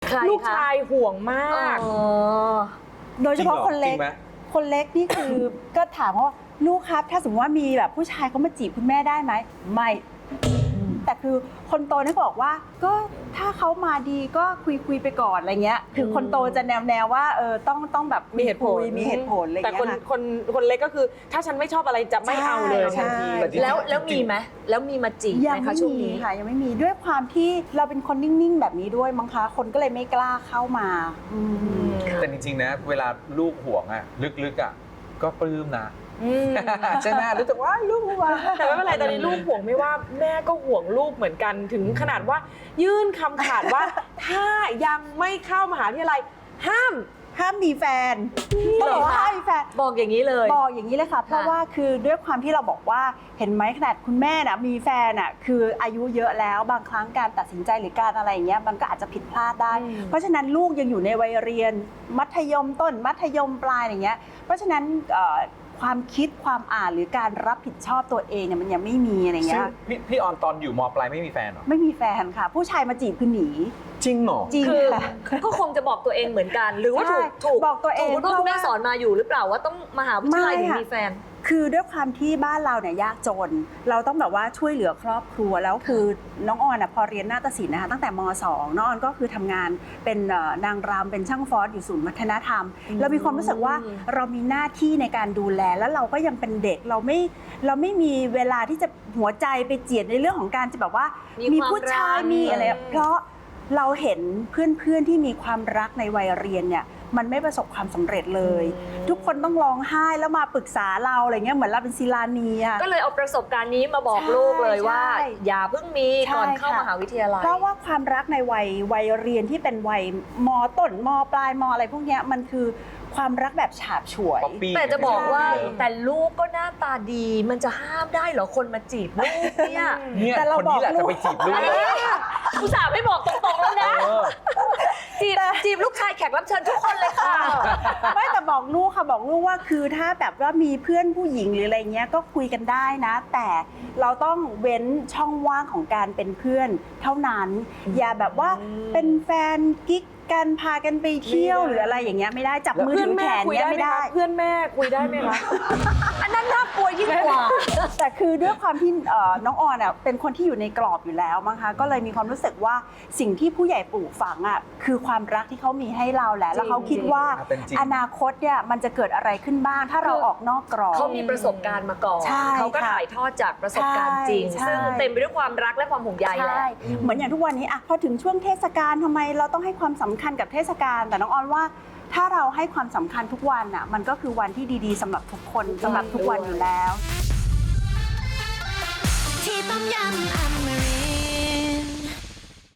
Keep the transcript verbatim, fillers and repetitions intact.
ลูกชายห่วงมากโดยเฉพาะคนเล็กคนเล็กนี่คือก็ถามว่าลูกครับถ้าสมมติว่ามีแบบผู้ชายเขามาจีบคุณแม่ได้ไหมไม่แต่คือคนโตนี่บอกว่าก็ถ้าเขามาดีก็คุยคุยไปก่อนอะไรเงี้ยคือคนโตจะแนวแนวว่าเออต้องต้องแบบมีเหตุผลมีเหตุผลอะไรเงี้ยแต่คนคนคนเล็กก็คือถ้าฉันไม่ชอบอะไรจะไม่เอาเลยทันทีแล้วแล้วมีไหมแล้วมีมาจีบไหมคะช่วงนี้ค่ะยังไม่มีด้วยความที่เราเป็นคนนิ่งๆแบบนี้ด้วยมั้งคะคนก็เลยไม่กล้าเข้ามาแต่จริงๆนะเวลาลูกห่วงอะลึกๆอะก็ปลื้มนะใช่ไหมรู้สึกว่าลูกห่วงแต่ไม่เป็นไรตอนนี้ลูกห่วงไม่ว่าแม่ก็ห่วงลูกเหมือนกันถึงขนาดว่ายื่นคำขาดว่าถ้ายังไม่เข้ามหาวิทยาลัยห้ามห้ามมีแฟนบอกว่าห้ามมีแฟนบอกอย่างนี้เลยบอกอย่างนี้เลยค่ะเพราะว่าคือด้วยความที่เราบอกว่าเห็นไหมขนาดคุณแม่น่ะมีแฟนน่ะคืออายุเยอะแล้วบางครั้งการตัดสินใจหรือการอะไรอย่างเงี้ยมันก็อาจจะผิดพลาดได้เพราะฉะนั้นลูกยังอยู่ในวัยเรียนมัธยมต้นมัธยมปลายอย่างเงี้ยเพราะฉะนั้นความคิดความอ่านหรือการรับผิดชอบตัวเองเนี่ยมันยังไม่มีอะไรเงี้ยพี่พี่ออนตอนอยู่ม.ปลายไม่มีแฟนหรอไม่มีแฟนค่ะผู้ชายมาจีบคือหนีจริงเหรอจริงค่ะก็คงจะบอกตัวเองเหมือนกันหรือว่าถูกถูกบอกตัวเองคุณพ่อคุณแม่สอนมาอยู่หรือเปล่าว่าต้องมหาวิทยาลัยถึงมีแฟนคือด้วยความที่บ้านเราเนี่ยยากจนเราต้องแบบว่าช่วยเหลือครอบครัวแล้วคือน้องออนอ่ะพอเรียนนาฏศิลป์นะคะตั้งแต่ม.สอง น้องออนก็คือทำงานเป็นนางรำเป็นช่างฟอสอยู่ศูนย์วัฒนธรรมเรามีความรู้สึกว่าเรามีหน้าที่ในการดูแลแล้วเราก็ยังเป็นเด็กเราไม่เราไม่มีเวลาที่จะหัวใจไปเจียดในเรื่องของการจะแบบว่ามีผู้ชายมีอะไรเพราะเราเห็นเพื่อนๆที่มีความรักในวัยเรียนเนี่ยมันไม่ประสบความสำเร็จเลยทุกคนต้องร้องไห้แล้วมาปรึกษาเราอะไรเงี้ยเหมือนเราเป็นศิลานีอะก็เลยเอาประสบการณ์นี้มาบอกลูกเลยว่าอย่าเพิ่งมีก่อนเข้ามหาวิทยาลัยเพราะว่าความรักในวัยวัยเรียนที่เป็นวัยม.ต้นม.ปลายม.อะไรพวกเนี้ยมันคือความรักแบบฉาบฉวยแต่จะบอกว่าแต่ลูกก็หน้าตาดีมันจะห้ามได้เหรอคนมาจีบลูกเนี่ยแต่เราบอกลูกจะไปจีบลูกอุตส่าห์ไม่บอกตรงๆแล้วนะจีบจีบลูกชายแขกรับเชิญทุกคนเลยค่ะไม่แต่บอกลูกค่ะบอกลูกว่าคือถ้าแบบว่ามีเพื่อนผู้หญิงหรืออะไรเงี้ยก็คุยกันได้นะแต่เราต้องเว้นช่องว่างของการเป็นเพื่อนเท่านั้นอย่าแบบว่าเป็นแฟนกิ๊กกันพากันไปเที่ยวหรืออะไรอย่างเงี้ยไม่ได้จับมือถือแขนเนี่ยไม่ได้เพื่อนแม่คุยได้ไหมคะอันนั้นน่ากลัวยิ่งกว่าแต่คือด้วยความที่น้องออนอ่ะเป็นคนที่อยู่ในกรอบอยู่แล้วมั้งคะก็เลยมีความรู้สึกว่าสิ่งที่ผู้ใหญ่ปลูกฝังอ่ะคือความรักที่เขามีให้เราแหละแล้วเขาคิดว่าอนาคตเนี่ยมันจะเกิดอะไรขึ้นบ้างถ้าเราออกนอกกรอบเขามีประสบการณ์มาก่อนเขาก็ถ่ายทอดจากประสบการณ์จริงซึ่งเต็มไปด้วยความรักและความห่วงใยแหละเหมือนอย่างทุกวันนี้อ่ะพอถึงช่วงเทศกาลทำไมเราต้องให้ความสำคัญกับเทศกาลแต่น้องออนว่าถ้าเราให้ความสำคัญทุกวันอ่ะมันก็คือวันที่ดีๆสำหรับทุกคนสำหรับทุกวันอยู่แล้วที่ต้มยำ